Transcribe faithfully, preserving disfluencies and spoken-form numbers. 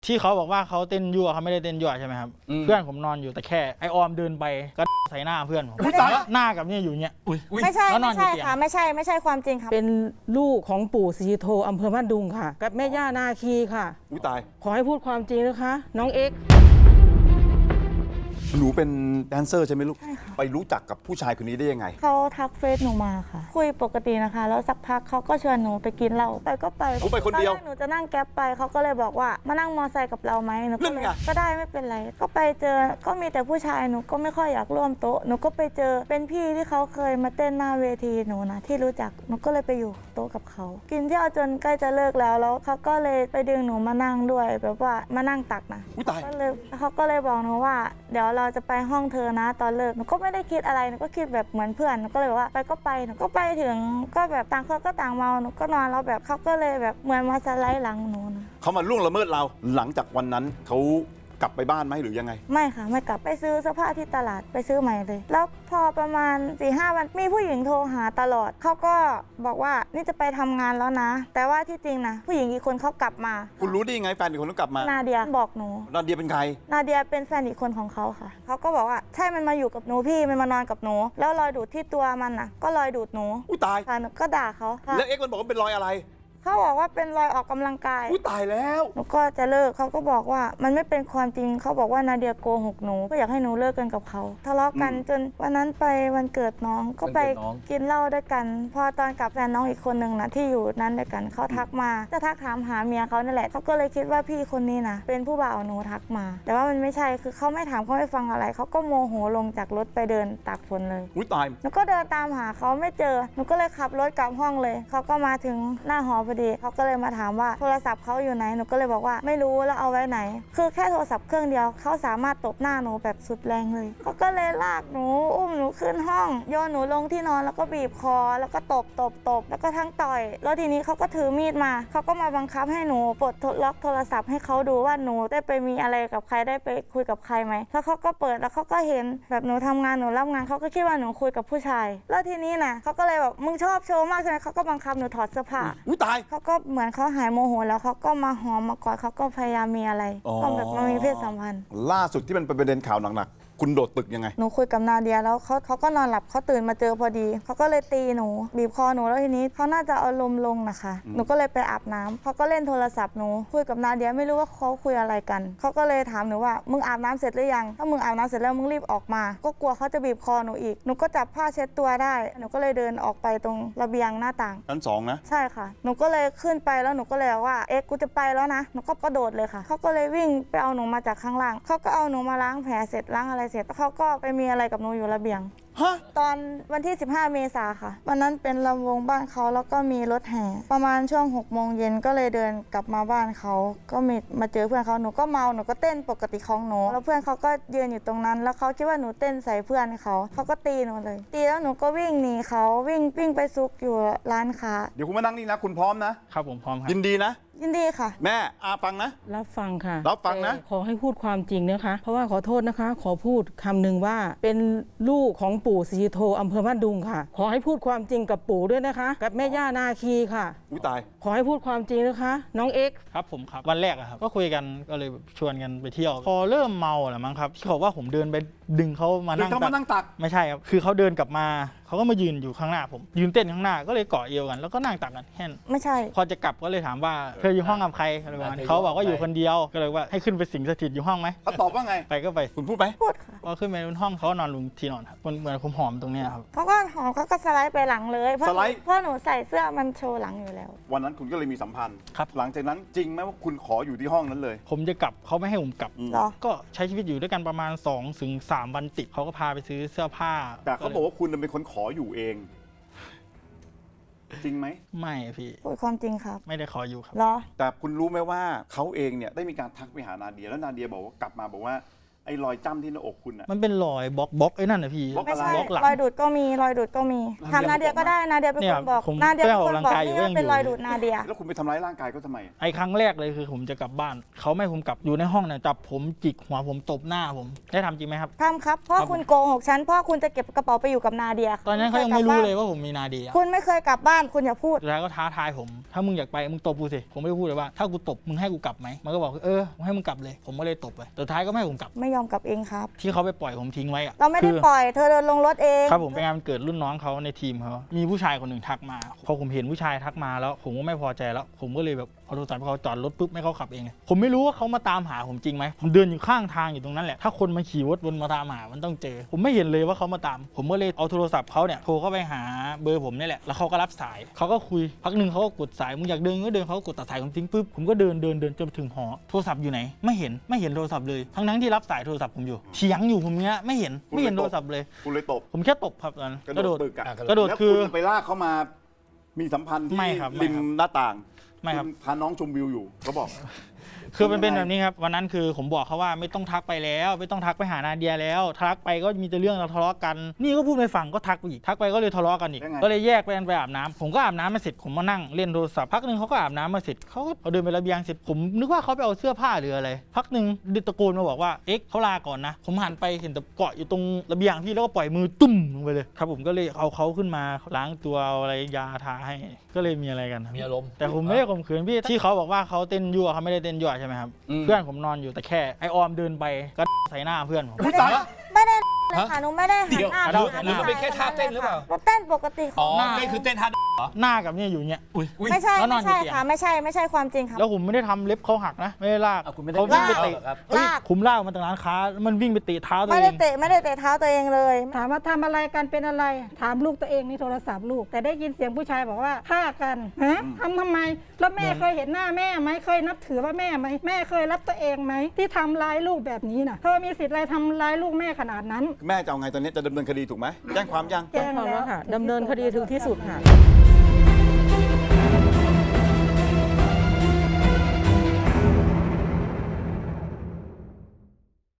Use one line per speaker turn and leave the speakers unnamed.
ที่เขาบอกว่าเขาเต้นยั่วเขาไม่ได้เต้นยั่วใช่ไหมครับเพื่อนผมนอนอยู่แต่แค่ไอออมเดินไปก็ใส่หน้าเพื่อนผมหน้ากับเนี่ยอยู่เนี่ย
ไม่ใช่ไม่ใช่ค่ะไม่ใช่ไม่ใช่ความจริงค่ะ
เป็นลูกของปู่ศรีโทอำเภอบ้านดุงค่ะกับแม่ย่านาคีค่ะ
อุ้ยตาย
ขอให้พูดความจริงนะคะ น้องเอ็กซ์
หนูเป็นแดนเซอร์ใช่ไหมลูก
ใช่ค่ะ
ไปรู้จักกับผู้ชายคนนี้ได้ยังไง
เขาทักเฟซหนูมาค่ะคุยปกตินะคะแล้วสักพักเขาก็ชวนหนูไปกินเหล้าไปก็ไป
หนูไปคนเดียว
ตอแรกหนูจะนั่งแก๊ปไปเขาก็เลยบอกว่ามานั่งมอไซค์กับเราไหมหนูก็เลยก็ได้ไม่เป็นไรก็ไปเจอก็มีแต่ผู้ชายหนูก็ไม่ค่อยอยากร่วมโต๊ะหนูก็ไปเจอเป็นพี่ที่เขาเคยมาเต้นหน้าเวทีหนูนะที่รู้จักหนูก็เลยไปอยู่โต๊ะกับเขากินเที่ยวจนใกล้จะเลิกแล้วแล้วเขาก็เลยไปดึงหนูมานั่งด้วยแบบว่ามานั่งตักนะ
อุ้ยตาย
ก็เลยเขาก็เลยบอกหนูว่าเดี๋ยวเราจะไปห้องเธอนะตอนเลิกหนูก็ไม่ได้คิดอะไรหนูก็คิดแบบเหมือนเพื่อนหนูก็เลยบอกว่าไปก็ไปหนูก็ไปถึงก็แบบต่างคนก็ต่างเมาหนูก็นอนแล้วแบบเขาก็เลยแบบเหมือนมาสไลด์หลังหนูนะ
เขามาล่วงละเมิดเราหลังจากวันนั้นเขากลับไปบ้านไหมหรือยังไง
ไม่ค่ะไม่กลับไปซื้อเสื้อผ้าที่ตลาดไปซื้อใหม่เลยแล้วพอประมาณ สี่ห้า วันมีผู้หญิงโทรหาตลอดเขาก็บอกว่านี่จะไปทำงานแล้วนะแต่ว่าที่จริงนะผู้หญิงอีกคนเขากลับมา
คุณรู้ได้ยังไงแฟนอีกคนต้องกลับมา
นาเดียบอกหนู
นาเดียเป็นใคร
นาเดียเป็นแฟนอีกคนของเขาค่ะเขาก็บอกว่าใช่มันมาอยู่กับหนูพี่มันมานอนกับหนูแล้วรอยดูดที่ตัวมันน่ะก็รอยดูดหนู
อุ้ยตาย
ค่ะหนูก็ด่าเขาค่ะ
แล้วเอ็กซ์มันบอกว่าเป็นรอยอะไร
เขาบอกว่าเป็นรอยออกกำลังกาย
อุ้ยตายแล้ว
หนูก็จะเลิกเขาก็บอกว่ามันไม่เป็นความจริงเขาบอกว่านาเดียโกหกหนูก็อยากให้หนูเลิกกันกับเขาทะเลาะกันจนวันนั้นไปวันเกิดน้องก็ไปกินเหล้าด้วยกันพอตอนกลับแฟนน้องอีกคนนึงนะที่อยู่นั้นด้วยกันเขาทักมาจะทักถามหาเมียเขานั่นแหละเขาก็เลยคิดว่าพี่คนนี้นะเป็นผู้บ่าวหนูทักมาแต่ว่ามันไม่ใช่คือเขาไม่ถามเขาไม่ฟังอะไรเขาก็โมโหลงจากรถไปเดินตากฝนเลย
อุ้ยตาย
หนูก็เดินตามหาเขาไม่เจอหนูก็เลยขับรถกลับห้องเลยเขาก็มาถึงหน้าหอพอดีเขาก็เลยมาถามว่าโทรศัพท์เขาอยู่ไหนหนูก็เลยบอกว่าไม่รู้แล้วเอาไว้ไหนคือแค่โทรศัพท์เครื่องเดียวเขาสามารถตบหน้าหนูแบบสุดแรงเลยเขาก็เลยลากหนูอุ้มหนูขึ้นห้องโยนหนูลงที่นอนแล้วก็บีบคอแล้วก็ตบตบตบแล้วก็ทั้งต่อยแล้วทีนี้เขาก็ถือมีดมาเขาก็มาบังคับให้หนูปลดล็อกโทรศัพท์ให้เขาดูว่าหนูได้ไปมีอะไรกับใครได้ไปคุยกับใครไหมแล้วเขาก็เปิดแล้วเขาก็เห็นแบบหนูทำงานหนูรับงานเขาก็คิดว่าหนูคุยกับผู้ชายแล้วทีนี้นะเขาก็เลยแบบมึงชอบโชว์มากใช่ไหมเขาก็บังคับหนูถอดเสื้อผ้า
อุ้ยตาย
เขาก็เหมือนเขาหายโมโหแล้วเขาก็มาหอมมากอดเขาก็พยายามมีอะไรก็แบบมามีเพศสัมพันธ์
ล่าสุดที่มันเป็นประเด็นข่าวหนักๆคุณโดดตึกยังไง
หนูคุยกับนาเดียแล้วเขาเขาก็นอนหลับเขาตื่นมาเจอพอดีเขาก็เลยตีหนูบีบคอหนูแล้วทีนี้เขาน่าจะเอาลมลงนะคะหนูก็เลยไปอาบน้ำเขาก็เล่นโทรศัพท์หนูคุยกับนาเดียไม่รู้ว่าเขาคุยอะไรกันเขาก็เลยถามหนูว่ามึงอาบน้ำเสร็จหรือยังถ้ามึงอาบน้ำเสร็จแล้วมึงรีบออกมาก็กลัวเขาจะบีบคอหนูอีกหนูก็จับผ้าเช็ดตัวได้หนูก็เลยเดินออกไปตรงระเบียงหน้าต่าง
ชั้นสองนะ
ใช่ค่ะหนูก็เลยขึ้นไปแล้วหนูก็เลยว่าเอ๊ะกูจะไปแล้วนะหนูก็กระโดดเลยค่ะเขาก็เลยวิ่งไปเอาหนูมาจากข้างล่างเขาก็เอาหนูมาล้างแผลเสร็จล้างอะไรเสร็จแล้วเขาก็ไปมีอะไรกับหนูอยู่ระเบียงตอนวันที่สิบห้าเมษาค่ะวันนั้นเป็นลำวงบ้านเขาแล้วก็มีรถแห่ประมาณช่วงหกโมงเย็นก็เลยเดินกลับมาบ้านเขาก็มีมาเจอเพื่อนเขาหนูก็เมาหนูก็เต้นปกติของหนูแล้วเพื่อนเขาก็ยืนอยู่ตรงนั้นแล้วเขาคิดว่าหนูเต้นใส่เพื่อนเขาเขาก็ตีหนูเลยตีแล้วหนูก็วิ่งหนีเขาวิ่งวิ่งไปซุกอยู่ร้านค้า
เดี๋ยวคุณมานั่งนี่นะคุณพร้อมนะครับ
ผมพร้อมครับ
ยินดีนะ
ยินดีค่ะ
แม่อาฟังนะ
รับฟังค่ะ
รับฟังนะ
ขอให้พูดความจริงนะคะเพราะว่าขอโทษนะคะขอพูดคำหนึ่งว่าเป็นลูกของปู่ศรีโทอำเภอบ้านดุงค่ะขอให้พูดความจริงกับปู่ด้วยนะคะกับแม่ย่านาคีค่ะ
อุ้ยตาย
ขอให้พูดความจริงนะคะน้องเอ็กซ์
ครับผมครับวันแรกอะครับก็คุยกันก็เลยชวนกันไปเที่ยวพอเริ่มเมาแหละมั้งครับที่เขาว่าผมเดินไปดึงเขามานั่ง
เขามานั่งตัก
ไม่ใช่ครับคือเขาเดินกลับมาเขาก็มายืนอยู่ข้างหน้าผมยืนเต้นข้างหน้าก็เลยเกาะเอวกันแล้วก็นั่งตักกันแค่
ไม่ใช่
พอจะกลับก็เลยถามว่าเธออยู่ห้องกับใครอะไรประมาณนี้เขาบอกว่าอยู่คนเดียวก็เลยว่าให้ขึ้นไปสิงสถิตอยู่ห้องไหม
เขาตอบว่าไง
ไปก็ไป
คุณพูดไหม
พูดค่ะ
พอขึ้นไปบนห้องเขานอนลงที่นอนครับเหมือนผมหอมตรงนี้ครับ
เขาก็หอมเขาก็สไลด์ไปหลังเลยเพราะเพราะหนูใส่เสื้อมันโชว์หลังอยู่แล้ว
วันนั้นคุณก็เลยมีสัมพันธ์
ครับ
หลังจากนั้นจริงไหมว่าคุณขออยู่ที่ห้องนั้นเลย
ผมจะกลับเขาไม่ให้ผมกลับก็ใช้ชีวิตอยู่ด้วยกันประมาณสองถึงสามวันติดเขาก็พาไปซื้อเสื้อผ้า
แต่เขาบอกว่าคุณเป็นคนขออยู่เองจริงไหม
ไม่พี่
พูดความจริงครับ
ไม่ได้ขออยู่ครับ
เหรอ
แต่คุณรู้ไหมว่าเขาเองเนี่ยได้มีการทักไปหานาเดียแล้วนาเดียบอกว่ากลับมาบอกว่าไอ้รอยจ้ำที่หน้าอกคุณอะ
มันเป็นรอยบล็อกบล็อกไอ้นั่นนะพี่
บล็อก
ไม่
อะไร
ใช่
บล็อกหลัง
รอยดูดก็มีรอยดูดก็มีถามนาเดียก็ได้นาเดียเป็น
เนี่
ค
ย
นบอก
ผม
นาเดียเป็นคน
ไปออกกำลัง
บอก
กายอยู่
นี่ว่า
ก็ยัง
เป็น
อยู่
รอยดูดนาเดีย
แล้วคุณไปทำร้ายร่างกายเขาทำไม
ไอ้ครั้งแรกเลยคือผมจะกลับบ้านเขาไม่ให้ผมกลับอยู่ในห้องเนี่ยจับผมจิกหัวผมตบหน้าผมได้ทำจริงไหมครับ
ทำครับเพราะคุณโกหกฉันเพราะคุณจะเก็บกระเป๋าไปอยู่กับนาเดีย
ตอนนั้นเขายังไม่รู้เลยว่าผมมีนาเดีย
คุณไม่เคยกลับบ้านคุณอย่าพูด
สุดท้ายก็ท้าทายผมถ้ามึงอยากไปมึงตบกูสิผมไม่ได้พูดเลยว่าถ้ากูตบมึงให้กูกลับไหมมันก็บอกเออให้มึงกลับเลยผมก็เลยตบไปสุดท้ายก็ไม่ให้ผมกลับ
ไม่ยอมกลับเองครับ
ที่เขาไปปล่อยผมทิ้งไว้อะ
เราไม่ได้
คือ
ปล่อยเธอเดินลงรถเอง
ครับผมไปงานวันเกิดรุ่นน้องเขาในทีมเขามีผู้ชายคนหนึ่งทักมาพอผมเห็นผู้ชายทักมาแล้วผมก็ไม่พอใจแล้ว ผมก็เลยแบบเอาโทรศัพท์ให้เขาจอดรถปุ๊บให้เขาขับเองเลยผมไม่รู้ว่าเขามาตามหาผมจริงไหมผมเดินอยู่ข้างทางอยู่ตรงนั้นแหละถ้าคนมาขี่รถวนมาตามหามันต้องเจอ ผมไม่เห็นเลยว่าเขามาตาม ผมก็เลยเอาโทรศัพท์เขาเนี่ยโทรเข้าไปหาเบอร์ผมนี่แหละแล้วเขาก็รับสายเขาก็คุยพักหนึ่งเขาก็กดสายมึงอยากเดินก็เดินเขาก็กดตัดสายผมทิ้งปุ๊บผมก็เดินเดินเดินจนถึงหอโทรศัพท์อยู่ไหนไม่เห็นไม่เห็นโทรศัพท์เลยทั้งนั้นที่รับสายโทรศัพท์ผมอยู่เถียงอยู่ผมเนี้ยไม่เห็นไม่เห็นโทรศัพท์เลย
คุณเลยตบ
ผมแค่ตบครับตอนนั้น
กระ
กระ
โด
โด
ด
ด
ตึกอะ
กระโดด
แล้ว
คือ
ณไปลากเขามามีสัมพันธ์ที่
ไม่ครับไม่
ริม
ครับ
หน้าต่าง
ไม่ครับ
ณพาน้องชมวิวอยู่เขาบอก
คือมันเป็นแบบนี้ครับวันนั้นคือผมบอกเขาว่าไม่ต้องทักไปแล้ว ไม่ต้องทักไปหานาเดียแล้ว ทักไปก็มีแต่เรื่องเราทะเลาะกัน นี่ก็พูดไม่ฟังก็ทักไปอีกทักไปก็เลยทะเลาะกันอีก
ยังไง
ก็เลยแยกไปกันไปอาบน้ำผมก็อาบน้ำมาเสร็จผมมานั่งเล่นโทรศัพท์พักหนึ่งเขาก็อาบน้ำมาเสร็จเขาก็เอาเดินไประเบียงเสร็จผมนึกว่าเขาไปเอาเสื้อผ้าหรืออะไรพักหนึ่งดิตะโกนมาบอกว่าเอ็กซ์เขาลาก่อนนะผมหันไปเห็นแต่เกาะอยู่ตรงระเบียงพี่แล้วก็ปล่อยมือตุ้มลงไปเลยครับผมก็เลยเอาเขาขึ้นมาล้างตัวเอาอะไรยาทาให้ก็เลยมีอะไรกันครับ
มีอารมณ์
แต่ผมไม่ได้ข่มขืนพี่ที่เขาบอกว่าเขาเต้นยั่วเขาไม่ได้เต้นยั่วใช่ไหมครับ
อืม
เพื่อนผมนอนอยู่แต่แค่ไอออมเดินไปก็ใส่หน้าเพื่อนผม
ไม่ได้ไม่ได้เลยค่ะหนูไม่ได้หันหน้า
เดี๋ยว
ไปหา
หรือมันเป็นแค่ท่าเต้นหรือเปล่า
หนูเต้นปกติ
อ๋อ
หน้า
นี่คือเต้นท่าเหรอ
หน้ากับเนี่ยอยู่เนี่ยอุ้ย
อุ๊ย
ไม่ใช่
แล้วนอ
ไม่
นอยู่
ใช่
เตียง
ค่ะไม่ใช่ไม่ใช่ความจริงค่ะ
แล้วผมไม่ได้ทำเล็บเขาหักนะไม่ได้ลาก
อ่ะคุณไม่ได้
เขาวิ่งไป
ลาก
เตะ
เหรอครับ
เฮ้ย
ลาก
ผมลากมาจากร้านค้ามันวิ่งไปเตะเท้าตัว
ไม่
เอ
ได้
ง
เตะไม่ได้เตะเท้าตัวเองเลย
ถามว่าทำอะไรกันเป็นอะไร ถามลูกตัวเองในโทรศัพท์ลูก แต่ได้ยินเสียงผู้ชายบอกว่าฆ่ากันฮะทำทำไม แล้วแม่เคยเห็นหน้าแม่ไหมเคยนับถือว่าแม่ไหมแม่เคยรับตัวเองไหมที่ทำร้ายลูกแบบนี้น่ะเธอมีสิทธิ์อะไรทำร้ายลูกแม่ขนาดนั้น
แม่จะเอาไงตอนนี้จะดำเนินคดีถูกไหมแจ้งความยัง
แจ้งแล้วค่ะดำเนินคดีถึงที่สุดค่ะ